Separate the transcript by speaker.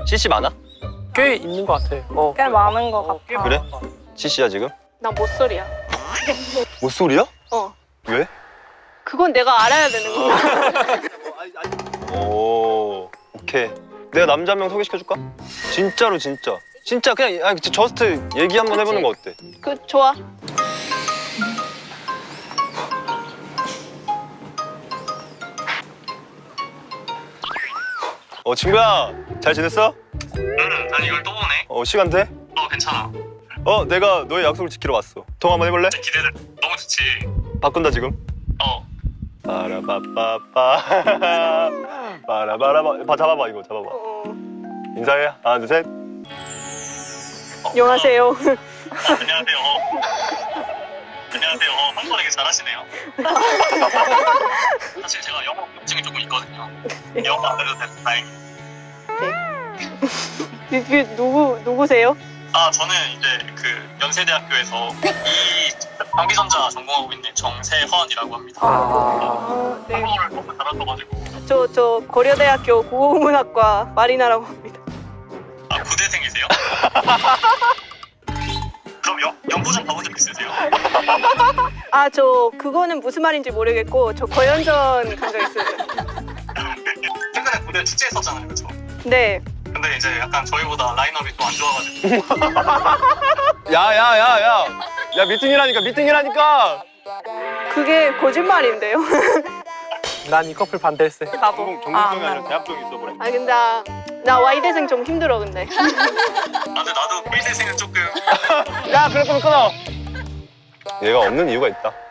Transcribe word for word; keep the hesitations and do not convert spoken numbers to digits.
Speaker 1: 씨씨 많아?
Speaker 2: 꽤 있는 것 같아. 어.
Speaker 3: 꽤 많은 것
Speaker 2: 어, 꽤
Speaker 3: 같아.
Speaker 1: 그래?
Speaker 2: 많은 것 같아.
Speaker 1: 씨씨야 지금?
Speaker 4: 나 못소리야.
Speaker 1: 못소리야?
Speaker 4: 어.
Speaker 1: 왜?
Speaker 4: 그건 내가 알아야 되는 거야.
Speaker 1: 오, 오케이. 내가 남자 한 명 소개시켜줄까? 진짜로 진짜. 진짜 그냥 아니, 저스트 얘기 한번 해보는 거 어때?
Speaker 4: 그 좋아.
Speaker 1: 어 친구야, 잘 지냈어?
Speaker 5: 응, 난 이걸 또 보네.
Speaker 1: 어 시간 돼?
Speaker 5: 어, 괜찮아.
Speaker 1: 어 내가 너의 약속을 지키러 왔어. 통화 한번 해볼래?
Speaker 5: 진짜 기대돼. 너무 좋지.
Speaker 1: 바꾼다 지금.
Speaker 5: 어,
Speaker 1: 빠라바빠빠 빠라바라바. 봐 잡아봐 이거 잡아봐.
Speaker 4: 어.
Speaker 1: 인사해. 하나 둘 셋.
Speaker 4: 안녕하세요.
Speaker 5: 안녕하세요. 안녕하세요. 어, 한국어 되게 잘하시네요. 사실 제가 영어 걱정이 조금 있거든요. 영어 안 해도 돼서 다행이에요.
Speaker 4: 그, 그 누구 누구세요?
Speaker 5: 아, 저는 이제 그 연세대학교에서 이 전기전자 전공하고 있는 정세헌이라고 합니다.
Speaker 2: 아.
Speaker 4: 아, 네.
Speaker 5: 한국어를 너무 잘하셔가지고.
Speaker 4: 저 저 고려대학교 국어문학과 마리나라고 합니다.
Speaker 5: 아, 부대생이세요? 그럼 연, 연구 좀 가본 적 있으세요?
Speaker 4: 아, 저 그거는 무슨 말인지 모르겠고 저 고연전 간 적 있어요.
Speaker 5: 최근에 부대 축제했었잖아요, 그렇죠?
Speaker 4: 네.
Speaker 5: 근데 이제 약간 저희보다 라인업이 또 안 좋아가지고.
Speaker 1: 야야야야. 야, 야 미팅이라니까 미팅이라니까.
Speaker 4: 그게 거짓말인데요.
Speaker 2: 난 이 커플 반대했어.
Speaker 4: 나도.
Speaker 1: 전공
Speaker 3: 아,
Speaker 1: 전공이
Speaker 3: 안
Speaker 1: 아니라 대학병 있어버려.
Speaker 4: 아 근데 나, 나 Y대생 좀 힘들어 근데.
Speaker 5: 아, 근데 나도 필대생은 조금.
Speaker 1: 야 그래 끊어 끊어. 얘가 없는 이유가 있다.